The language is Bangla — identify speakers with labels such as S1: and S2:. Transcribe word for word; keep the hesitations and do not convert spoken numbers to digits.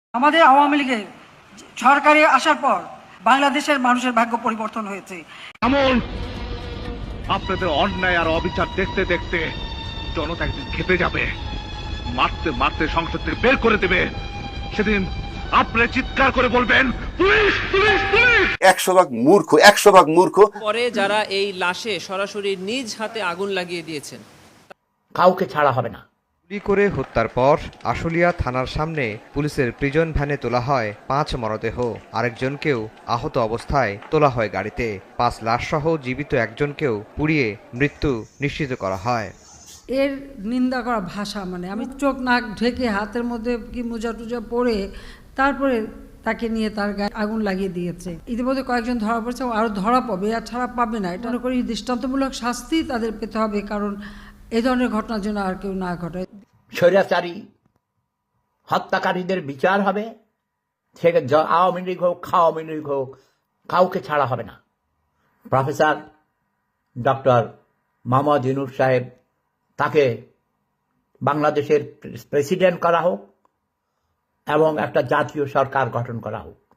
S1: আমাদের আওয়ামী লীগের সরকারে আসার পর বাংলাদেশের মানুষের ভাগ্য পরিবর্তন হয়েছে।
S2: এমন আপনাদের অন্যায় আর অবিচার দেখতে দেখতে জনতা একদিন খেপে যাবে, মারতে মারতে সংসদ থেকে বের করে দেবে। সেদিন আপনি চিৎকার করে বলবেন পুলিশ পুলিশ পুলিশ।
S3: একশো ভাগ মূর্খ, একশো ভাগ মূর্খ।
S4: পরে যারা এই লাশে সরাসরি নিজ হাতে আগুন লাগিয়ে দিয়েছেন,
S5: কাউকে ছাড়া হবে না।
S6: গুলি করে হত্যার পর আশুলিয়া থানার সামনে পুলিশের প্রিজন ভ্যানে তোলা হয় পাঁচ মরদেহ, আরেকজনকেও আহত অবস্থায় তোলা হয় গাড়িতে। পাঁচ লাশসহ জীবিত একজনকেও পুড়িয়ে মৃত্যু নিশ্চিত করা হয়।
S7: এর নিন্দা করা ভাষা, মানে আমি চোখ নাক ঢেকে হাতের মধ্যে কি মোজা টুজা পরে তারপরে তাকে নিয়ে তার গায়ে আগুন লাগিয়ে দিয়েছে। ইতিমধ্যে কয়েকজন ধরা পড়েছে, আরও ধরা পাবে, আর ছাড়া পাবে না। এটা মনে করি দৃষ্টান্তমূলক শাস্তি তাদের পেতে হবে, কারণ এই ধরনের ঘটনার জন্য আর কেউ না ঘটায়।
S5: স্বৈরাচারী হত্যাকারীদের বিচার হবে, সে আওয়ামী লীগ হোক খাওয়ামী লীগ হোক, কাউকে ছাড়া হবে না। প্রফেসর ডক্টর মোহাম্মদ ইউনূস সাহেব, তাকে বাংলাদেশের প্রেসিডেন্ট করা হোক এবং একটা জাতীয় সরকার গঠন করা হোক।